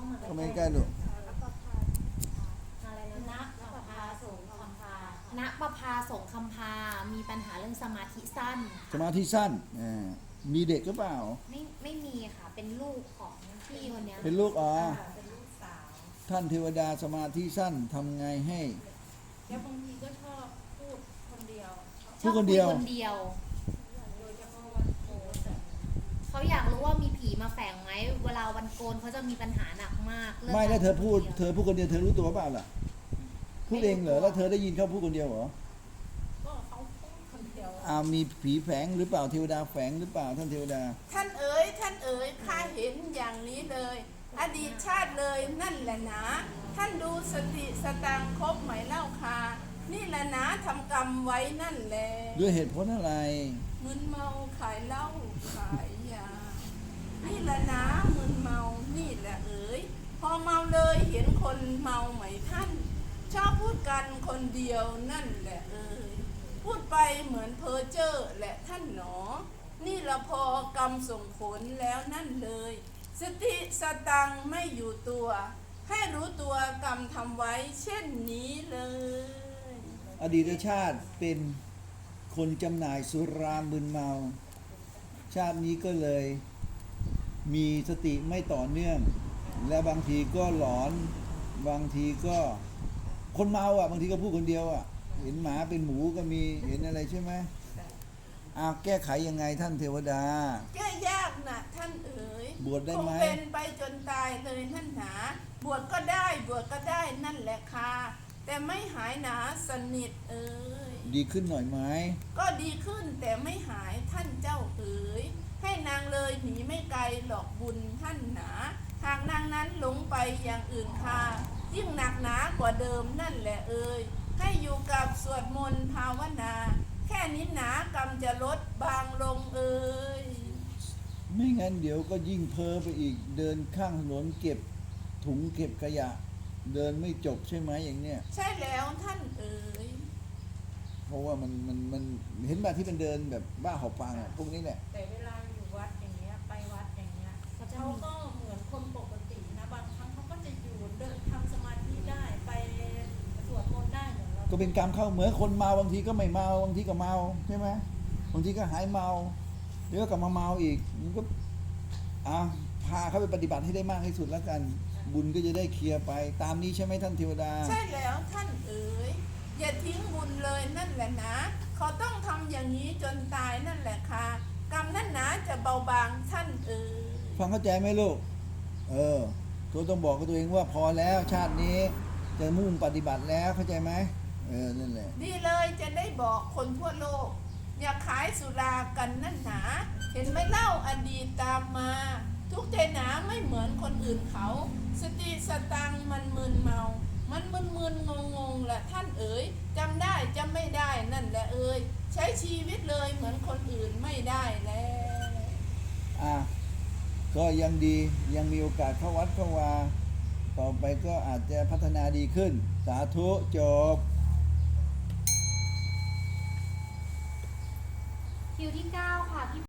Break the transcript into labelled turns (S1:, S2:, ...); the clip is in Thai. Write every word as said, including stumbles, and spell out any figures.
S1: ก็ไม่ใกล้ลูก
S2: อะไรนะณประภาสงคำพาณประภาสงคำพามีปัญหาเรื่องสมาธิสั้น
S1: สมาธิสั้นมีเด็กหรือเปล่า
S2: ไม่ไม่มีค่ะเป็นลูกของพี่คนนี้
S1: เป็นลูกอ๋อ
S3: เป็นลูกสาว
S1: ท่านเทวดาสมาธิสั้นทำไงให้
S3: แล้วบางทีก็ชอบพูดคนเดียว
S1: พูดคนเดียว
S2: คนเดียว
S3: โดยเฉพาะวันโกน
S2: เขาอยากรู้ว่ามีผีมาแฝงไหมเวลาวันโกนเขาจะมีปัญหาหนักมาก
S1: ไม่แล้วเธอพูดเธอพูดคนเดียวเธอรู้ตัวเปล่าล่ะพูดเองเหรอแล้วเธอได้ยินเขาพูดคนเดียวเหรอ
S3: ก็เขาพูดคนเดียว
S1: อ่ามีผีแฝงหรือเปล่าเทวดาแฝงหรือเปล่าท่านเทวดา
S4: ท่านเอ๋ยท่านเอ๋ยข้าเห็นอย่างนี้เลยอดีตชาติเลยนั่นแหละนะท่านดูสติสตังครบไหมเล่าค่ะนี่แหละนะทำกรรมไว้นั่นแหละ
S1: ด้วยเหตุผลอะไร
S4: มึนเมาขายเหล้าขายยานี่แหละนะมึนเมานี่แหละเอ๋ยพอเมาเลยเห็นคนเมาไหมท่านชอบพูดกันคนเดียวนั่นแหละเอ๋ยพูดไปเหมือนเพ้อเจ้อแหละท่านหนอนี่ละพอกรรมส่งผลแล้วนั่นเลยสติสตังไม่อยู่ตัวให้รู้ตัวกรรมทำไว้เช่นนี้เลย
S1: อดีตชาติเป็นคนจำหน่ายสุรามึนเมาชาตินี้ก็เลยมีสติไม่ต่อเนื่องและบางทีก็หลอนบางทีก็คนเมาอ่ะบางทีก็พูดคนเดียวอ่ะเห็นหมาเป็นหมูก็มีเห็นอะไรใช่ไหมอ้าวแก้ไขยังไงท่านเทวดา
S4: แก้ยากนะท่านเอ๋ย
S1: บวชได้ไหม
S4: คงเป็นไปจนตายเลยนั่นหนาบวชก็ได้บวชก็ได้นั่นแหละค่ะแต่ไม่หายหนาสนิทเอ๋ย
S1: ดีขึ้นหน่อยไหม
S4: ก็ดีขึ้นแต่ไม่หายท่านเจ้าเอ๋ยให้นางเลยหนีไม่ไกลหลอกบุญท่านหนาหากนางนั้นหลงไปอย่างอื่นค่ะยิ่งหนักหนากว่าเดิมนั่นแหละเอ๋ยให้อยู่กับสวดมนต์ภาวนาแค่นี้หนากรรมจะลดบางลงเอ๋ย
S1: ไม่งั้นเดี๋ยวก็ยิ่งเพ้อไปอีกเดินข้างถนนเก็บถุงเก็บขยะเดินไม่จบใช่ไหมอย่างเนี้ย
S4: ใช่แล้วท่านเอ๋ย
S1: เพราะว่ามันมันมันเห็นแบบที่เป็นเดินแบบบ้าหอบฟางอ่ะพวกนี้แหละ
S3: แต่เวลาอยู่วัดอย่างเงี้ยไปวัดอย่างเงี้ยเขาก็เหมือนคนปกตินะบางครั้งเขาก็จะอยู่เดินทำสมาธิได้ไปสวดมนต์ได้เหมือนเรา
S1: ก็เป็นกรรมเข้าเหมือนคนเมาบางทีก็ไม่เมาบางทีก็เมาใช่ไหมบางทีก็หายเมาเดี๋ยวก็กลับมาเมาอีกมันก็อ่ะพาเขาไปปฏิบัติให้ได้มากที่สุดแล้วกันบุญก็จะได้เคลียร์ไปตามนี้ใช่ไหมท่านเทวดา
S4: ใช่แล้วท่านเอ๋ยอย่าทิ้งบุญเลยนั่นแหละนะเขาต้องทำอย่างนี้จนตายนั่นแหละค่ะกรรมนั่นนะจะเบาบางท่านเอ๋ย
S1: ฟังเข้าใจไหมลูกเออตัวต้องบอกกับตัวเองว่าพอแล้วชาตินี้จะมุ่งปฏิบัติแล้วเข้าใจไหมเออนั่นแหละ
S4: ดีเลยจะได้บอกคนทั่วโลกอย่าขายสุรากันนั่นหนาเห็นไหมเล่าอดีตตามมาทุกใจหนาไม่เหมือนคนอื่นเขาสติสตังมันมึนเมามันมึนมึนงงงแหละท่านเอ๋ยจำได้จำไม่ได้นั่นแหละเอ๋ยใช้ชีวิตเลยเหมือนคนอื่นไม่ได้แล้ว
S1: อ่ะก็ยังดียังมีโอกาสเข้าวัดเข้าวาต่อไปก็อาจจะพัฒนาดีขึ้นสาธุจบ
S2: คิวที่เก้าค่ะพี่